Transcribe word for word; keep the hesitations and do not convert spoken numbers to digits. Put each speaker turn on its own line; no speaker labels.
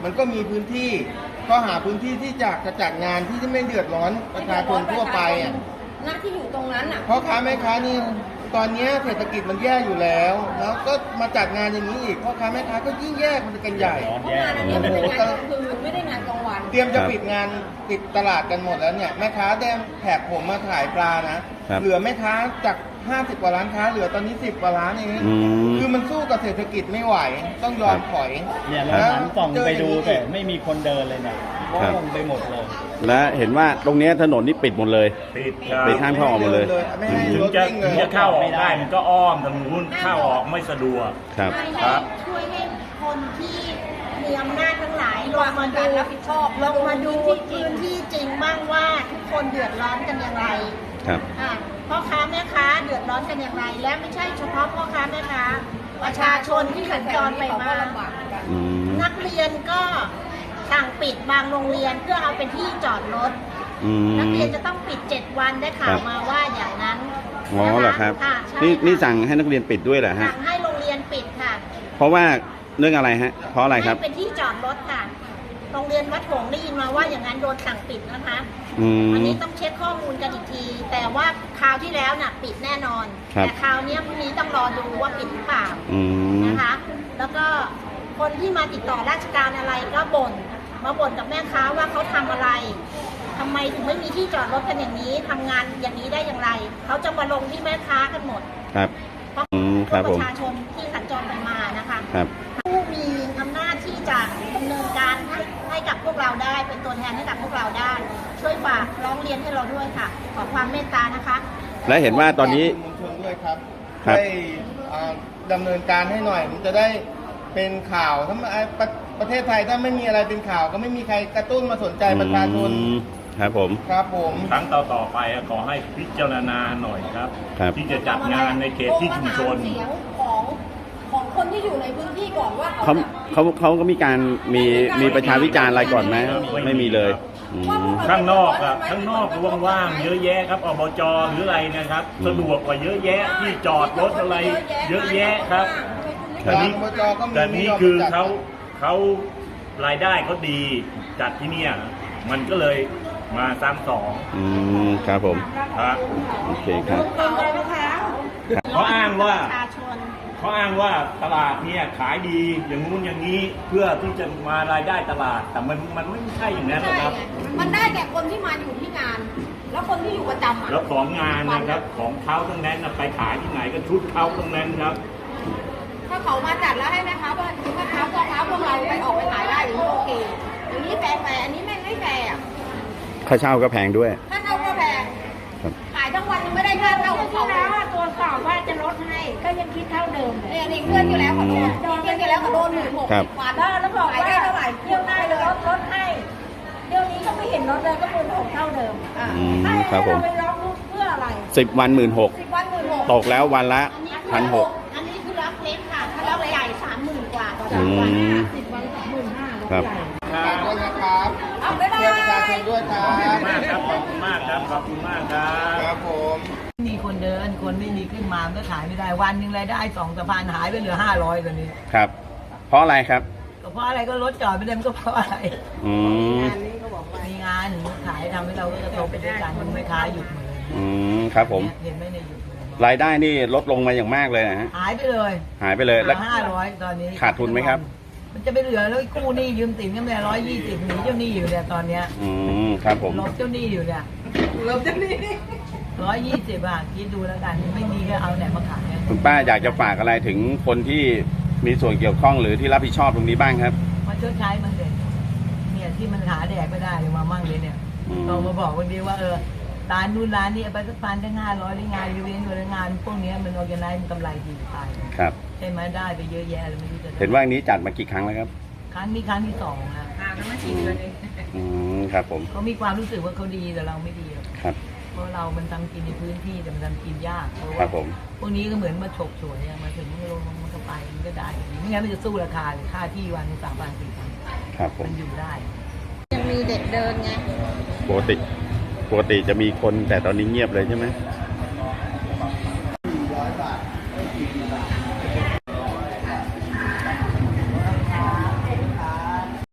มันก็มีพื้นที่ก็หาพื้นที่ที่จะจะจัดงานที่ไม่เดือดร้อนประชาชนทั่วไปอ่ะ
หน้าที่อยู่ตรงนั้นอ่ะ
เพราะค้าแม่ค้านี่ตอนนี้เศรษฐกิจมันแย่อยู่แล้วแล้วก็มาจัดงานอย่างนี้อีกพ่อค้าแม่ค้าก็ยิ่งแย่มันกันใหญ่
เพราะงานอันนี้มันเป็นงานกลางคืนไม่ได้งานกลางวัน
เตรียมจะปิดงานปิดตลาดกันหมดแล้วเนี่ยแม่ค้าได้แถบผมมาขายปลานะเหลือแม่ค้าจากห้าสิบกว่าร้านค้าเหลือตอนนี้สิบกว่าร้านเองคือมันสู้กับเศรษฐกิจไม่ไหวต้องยอมถอย
เนี่ยเราหันกล่องไปดูแต่ไม่มีคนเดินเลยเนี่ยว่างไปหมดเลย
และเห็นว่าตรงนี้ถนนนี่ปิดหมดเลย
ปิด
ปิดทางเข้าออกหมดเลย
ถึงจะถึงจะเข้าออกได้มันก็อ้อมทางนู้นเข้าออกไม่สะดวก
ครับ
ครับช่วยให้คนที่มีอำนาจทั้งหลายลงมาดู
รับผิดชอบ
ลงมาดูพื้นที่จริงบ้างว่าทุกคนเดือดร้อนกันอย่างไร
ครับ
พ่อค้าแม่ค้าเดือดร้อนกันอย่างไรและไม่ใช่เฉพาะพ่อค้าแม่ค้าประชาชนที่สัญจรไปมานักเรียนก็สั่งปิดบางโรงเรียนเพื่อเอาเป็นที่จอดรถนักเรียนจะต้องปิดเจ็ดวันได้ข่าวมาว่าอย่างนั้น
อ๋อเหรอครับนี่นี่สั่งให้นักเรียนปิดด้วยเหรอฮะ
สั่งให้โรงเรียนปิดค่ะ
เพราะว่าเรื่องอะไรฮะเพราะอะไรครับ
เป็นที่จอดรถค่ะโรงเรียนวัดหงส์ได้ยินมาว่าอย่างนั้นโดนสั่งปิดนะคะอันนี้ต้องเช็คข้อมูลกันอีกทีแต่ว่าคราวที่แล้วน่ะปิดแน่นอนแต่คราวนี้พรุ่งนี้ต้องรอดูว่าปิดหรือเปล่านะคะแล้วก็คนที่มาติดต่อราชการอะไรก็บ่นมาบ่นกับแม่ค้าว่าเขาทำอะไรทำไมถึงไม่มีที่จอดรถกันอย่างนี้ทำงานอย่างนี้ได้อย่างไรเขาจะมาลงที่แม่ค้ากันหมด
ครับ
เพราะประชาชนที่สัญจรไปมานะคะผู้มีอำนาจที่จะดำเนินการให้ให้กับพวกเราได้เป็นตัวแทนให้กับพวกเราได้ช่วยฝากร้องเรียนให้เราด้วยค่ะขอความเมตตานะคะ
และเห็นว่าตอนนี้
มวลชนด้วยครับให้ดำเนินการให้หน่อยมันจะได้เป็นข่าวถ้าประประเทศไทยถ้าไม่มีอะไรเป็นข่าวก็ไม่มีใครกระตุ้นมาสนใจประชาชน
ครับผม
ครับผม
ครั้งต่อต่อไปขอให้พิจารณาหน่อยครับที่จะจัดงานในเขตที่ชุมชน
ของของคนที่อยู่ในพื้นที่ก่อนว่า
เขาเขาเขาก็มีการมีมีประชาวิจารณ์อะไรก่อนไหมไม่มีเลย
ข้างนอกอะข้างนอกว่างๆเยอะแยะครับอบจหรืออะไรนะครับสะดวกกว่าเยอะแยะที่จอดรถอะไรเยอะแยะครับแต่นี้แต่นี้คือเขาเขารายได้เขาดีจัดที่เนี่ยมันก็เลยมาซ้ำสอง
อืมครับผม
ครับ
โอเคครับ
เขาอ้างว่าเขาอ้างว่าตลาดเนี่ยขายดีอย่างงู้นอย่างนี้เพื่อที่จะมารายได้ตลาดแต่มันมันไม่ใช่อย่างนั้นนะครับ
มันได้แก่คนที่มาอยู่ที่งานแล้วคนที่อยู่ประจำ
แล้วของงานนะครับของเขาทั้งนั้นไปขายที่ไหนก็ชุดเขาทั้งนั้นครับ
ถ้าเขามาจัดแล้วให้แม่ค้าว่าแม่ค้าพ่อค้าพวกเราไปออกไปขายได้อย่างนี้โอเคอย่างนี้แฟร์แฟร์อันนี้ไม่ไม่แฟร์อ่ะ
ค่าเช่าก็แพงด้วย
ค่าเช่าก็แพงขายทั้งวันยังไม่ได้ค่าเช่าของเขา
แล้วตรวจสอบว่าจะลดให้ก็ยังคิดเท่าเดิม
เนี่ยนี่เพื่อนอยู่แล้วขอโดนเพื่อนอยู่แล้วขอโดนหมื่นหกสิบบาท
แล้วบอกว่าเท่าไหร่เที่ยวหน้าเลยลดลดให้เที่ยวนี้ก็ไม่เห็นลดเลยก็หมื่นหกเท่าเดิมอ่า
ครับผม
ไปร้องทุกเพื่ออะไร
สิบวันหมื่นหก
สิบวันหมื่นหก
ตกแล้ววันละพันหก
อันนี้คือรับเล็กค่ะถ้ารับใหญ่สามหมื่นกว่าต่อวันสิบวันสามหมื่นห้า
ครับ
ด้วยนะครับ
เอาไปเลย
ประชาชนด้วยครับ
ขอบคุณมากครับขอบคุณมากครับ
ครับผม
มีคนเดินคนไม่มีขึ้นมาก็ขายไม่ได้วันหนึ่งรายได้สองสะพานหายไปเหลือห้าร้อยตอนนี้
ครับเพราะอะไรครับ
ก็เพราะอะไรก็รถจอดไม่ได้มันก็เพราะอะไร
อืม
มีงานขายทำให้เราก็จะโตไปด้วยกันมันไม่ค้าหยุดเลย
อืมครับผม
เห็นไหมในหยุด
รายได้นี่ลดลงมาอย่างมากเลยนะฮะ
หายไปเลย
หายไปเลย
แล้วห้าร้อยตอนนี้
ขาดทุนไหมครับ
มันจะไปเหลือแล้วกู้หนี้ยืมสินกันแม่ร้อยยี่สิบหนีเจ้าหนี้อยู่เนี่ยตอนเนี้ย
อืมครับผม
ลบเจ้าหนี้อยู่เนี่ยลบเจ้าหนี้ร้อยยี่สิบบาทคิดดูแล้วกันไม่มีก็เอาไหนมาขาย
คุณป้าอยากจะฝากอะไรถึงคนที่มีส่วนเกี่ยวข้องหรือที่รับผิดชอบตรงนี้บ้างครับ
มาชดใช้มันเลยเนี่ยที่มันหาแดกไม่ได้เลยมามั่งเลยเนี่ยเรามาบอกวันนี้ว่าเออร้านนู้นร้านนี้ไปสักพันได้ห้าร้อยได้งานยูเวนต์ได้งานพวกนี้มันออร์แกไนซ์มันกำไรดีตาย
ครับ
ใช่ไหมได้ไปเยอะแยะเลยไม่รู้จะ
เห็นว่านี้จัดมากี่ครั้งแล้วครับ
ครั้งนี้ครั้งที่สองนะ
ห่างกันมาสี่เดือนเอง
อืมครับผม
เขามีความรู้สึกว่าเขาดีแต่เราไม่ดี
ครับ
เพราะเรามันทำกินในพื้นที่แต่มันทำกินยากเพราะ
ว่า
พวกนี้ก็เหมือนมาฉกฉวยมาถึงมันลงมันก็ไปมันก็ได้ไม่งั้นมันจะสู้ราคาเลยค่าที่วันสามพันสี่พัน
ครับผม
มันอยู่ได้
ยังมีเด็กเดินไง
ปกติปกติจะมีคนแต่ตอนนี้เงียบเลยใช่ไหม